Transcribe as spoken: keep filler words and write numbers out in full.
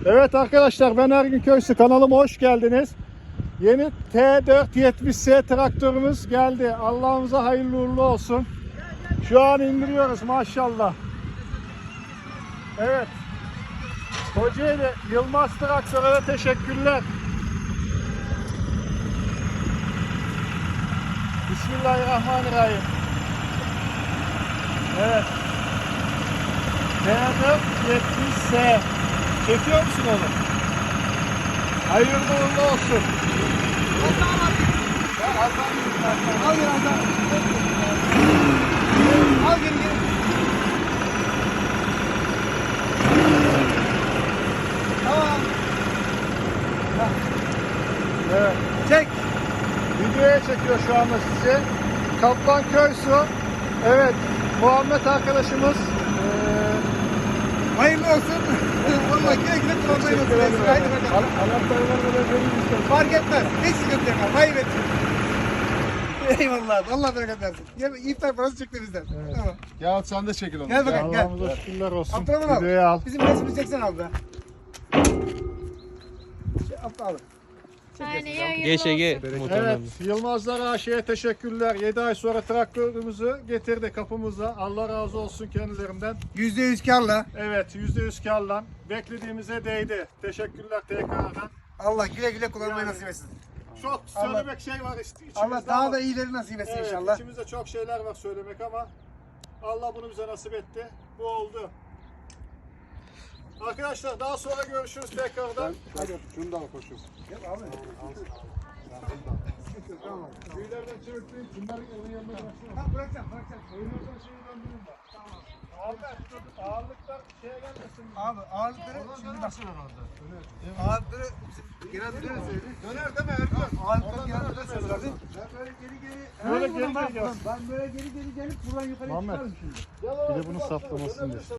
Evet arkadaşlar, ben Ergün Köysü, kanalıma hoş geldiniz. Yeni T dört yetmiş S traktörümüz geldi. Allah'ımıza hayırlı uğurlu olsun. Şu an indiriyoruz maşallah. Evet. Kocaeli Yılmaz Traktör'e teşekkürler. Bismillahirrahmanirrahim. Evet. T dört yetmiş S. Çekiyor musun onu? Hayırlı uğurlu olsun. Al gel al. Al gel gel. Tamam. Evet. Çek. Videoya çekiyor şu anda sizi. Kaplan Köysu. Evet. Muhammed arkadaşımız. Ee, Hayırlı olsun. Vallahi güle güle kullanmayı nasip etsin. Haydi bakalım. Anahtarlar böyle vereyim istedim. Fark etmez. Hiç sıkıntı yok. Hayır etsin. Eyvallah. Allah bereket versin. Gel iftar parası çıktı bizden. Evet. Tamam. Gel sen de çekil onu. Gel bakalım gel. Allah'ımıza şükürler olsun. Abdurrahman abi. Videoya al. Bizim resmimizi çeksene abi be. Şey, Abdurrahman abi. Aynen hayırlı Geç Ege. olsun. Evet, Yılmazlar A Ş'ye teşekkürler. yedi ay sonra traktörümüzü getirdi kapımıza. Allah razı olsun kendilerinden. yüzde yüz karla. Evet, yüzde yüz karlan. Beklediğimize değdi. Teşekkürler tekrardan. Allah güle güle kullanmayı Yani- nasip etsin. Çok Allah- söylemek şey var işte içimizde Allah daha ama- da iyileri nasip etsin Evet, inşallah. içimizde çok şeyler var söylemek ama Allah bunu bize nasip etti. Bu oldu. Arkadaşlar daha sonra görüşürüz tekrardan. Hadi şunu da al koşun. Gel abi. Tamam. Tüylerden çöktüğüm bunların evin yanına bıraksana. Ha bırakacağım bırakacağım. Oyunlardan şeyi döndürün bak. Tamam. Ahmet dur, ağırlıklar şeye gelmesin. Abi ağırlıkları şimdi bak. herhalde. Ağırlıkları genelde döner söyledi. Döner deme Erkan. Ağırlıkları genelde döner söyledi. Ben böyle geri geri. Böyle Hemen geri buradan geri bak, gelsin. Ben böyle geri geri gelip buradan yukarı Muhammed. çıkarım şimdi. Bir de bunun saplamasını diyor.